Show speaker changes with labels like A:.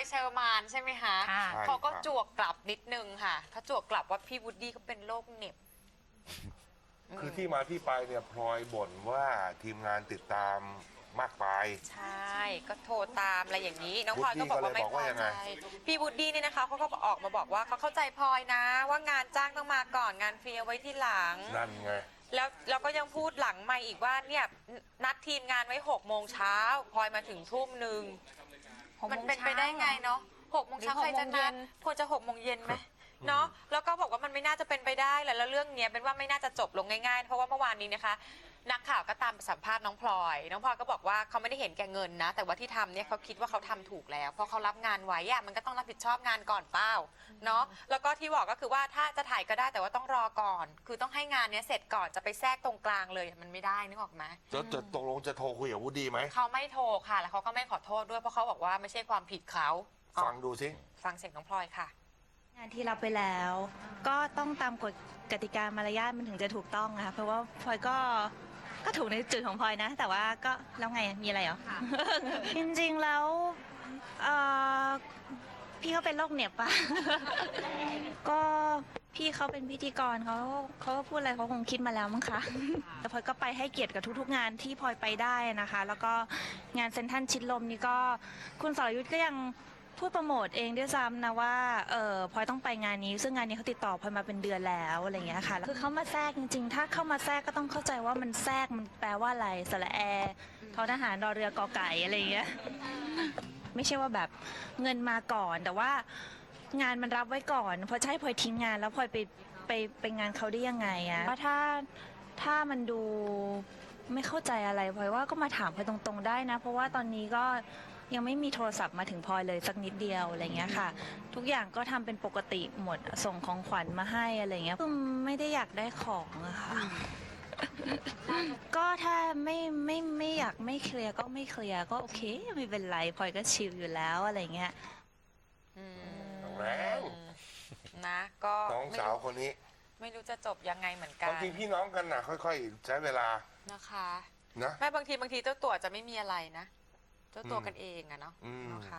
A: เชอร์มานใช่ไหมคะ
B: ค่ะ
A: เขาก็จวกกลับนิดนึงค่ะเขาจวกกลับว่าพี่วูดดี้เขาเป็นโรคเหน็บ
C: คือที่มาที่ไปเนี่ยพลอยบ่นว่าทีมงานติดตามมากไป
A: ใช่ก็โทรตามอะไรอย่างนี้น้องพลอยก็บอกว่าไม่พอใจพี่วูดดี้เนี่ยนะคะเขาก็ออกมาบอกว่าเขาเข้าใจพลอยนะ ว่างานจ้างต้องมาก่อนงานฟรีเอาไว้ที่หลัง
C: นั่นไง
A: แล้วก็ยังพูดหลังไม่อีกว่าเนี่ยนัดทีมงานไว้6 โมงเช้าพลอยมาถึงทุ่มหนึ่งมันเป็นไปได้ไงเนาะ6 โมงเช้าใครจะนัดควรจะ6 โมงเย็นไหมเนาะแล้วก็บอกว่ามันไม่น่าจะเป็นไปได้แหละแล้วเรื่องเนี้ยเป็นว่าไม่น่าจะจบลงง่ายๆเพราะว่าเมื่อวานนี้นะคะนักข่าวก็ตามสัมภาษณ์น้องพลอยก็บอกว่าเขาไม่ได้เห็นแก่เงินนะแต่ว่าที่ทำเนี่ยเขาคิดว่าเขาทำถูกแล้วเพราะเขารับงานไว้อะมันก็ต้องรับผิดชอบงานก่อนเป้าเนาะแล้วก็ที่บอกก็คือว่าถ้าจะถ่ายก็ได้แต่ว่าต้องรอก่อนคือต้องให้งานเนี้ยเสร็จก่อนจะไปแทรกตรงกลางเลยมันไม่ได้นึกออกไหม
C: จะตกลงจะโทรคุยกับวูดดี้ไหม
A: เขาไม่โทรค่ะแล้วเขาก็ไม่ขอโทษด้วยเพราะเขาบอกว่าไม่ใช่ความผิดเขา
C: ฟังดูสิ
A: ฟังเสียงน้องพลอยค่ะ
D: งานที่รับไปแล้ว ก็ต้องตามกฎกติกามารยาทมันถึงจะถูกต้องนะคะเพราะว่าพลอยก็ถูกในจุดของพลอยนะ แต่ว่าก็แล้วไงมีอะไรเหรอ จริงๆแล้วเอ่อพี่เขาเป็นโรคเหน็บปะ ก็พี่เขาเป็นพิธีกรเขาพูดอะไรเขาคงคิดมาแล้วมั้งคะ แต่พลอยก็ไปให้เกียรติกับทุกๆงานที่พลอยไปได้นะคะ แล้วก็งานเซ็นทรัลชิดลมนี่ก็คุณสรยุทธก็ยังพูดโปรโมทเองด้วยซ้ำนะว่าพลอยต้องไปงานนี้ซึ่งงานนี้เขาติดต่อพลอยมาเป็นเดือนแล้วอะไรอย่างเงี้ยค่ะคือเขามาแทรกจริงๆถ้าเข้ามาแทรกก็ต้องเข้าใจว่ามันแทรกมันแปลว่าอะไรสระแอทอทหารรอเรือกอไก่อะไรอย่างเงี้ยไม่ใช่ว่าแบบเงินมาก่อนแต่ว่างานมันรับไว้ก่อนพอจะให้พลอยทิ้งงานแล้วพลอยไปงานเขาได้ยังไงอะว่าถ้ามันดูไม่เข้าใจอะไรพลอยว่าก็มาถามพลอยตรงๆได้นะเพราะว่าตอนนี้ก็ยังไม่มีโทรศัพท์มาถึงพลอยเลยสักนิดเดียวอะไรเงี้ยค่ะทุกอย่างก็ทำเป็นปกติหมดส่งของขวัญมาให้อะไรเงี้ยคือไม่ได้อยากได้ของอะค่ะ ก็ถ้าไม่อยากไม่เคลียร์ก็ไม่เคลียร์ก็โอเคไม่เป็นไรพลอยก็ชิลอยู่แล้วอะไรเงี้ย
C: แรง
A: นะก็
C: น้องสาวคนนี้
A: ไม่รู้จะจบยังไงเหมือนกั
C: บาน งทีพี่น้องกันนะค่อยๆ ใช้เวลา
A: นะคะ
C: นะ
A: แม่บางทีเจ้าตัวจะไม่มีอะไรนะเจ้าตัวกันเองอะเนาะ
C: อืม
A: นะคะ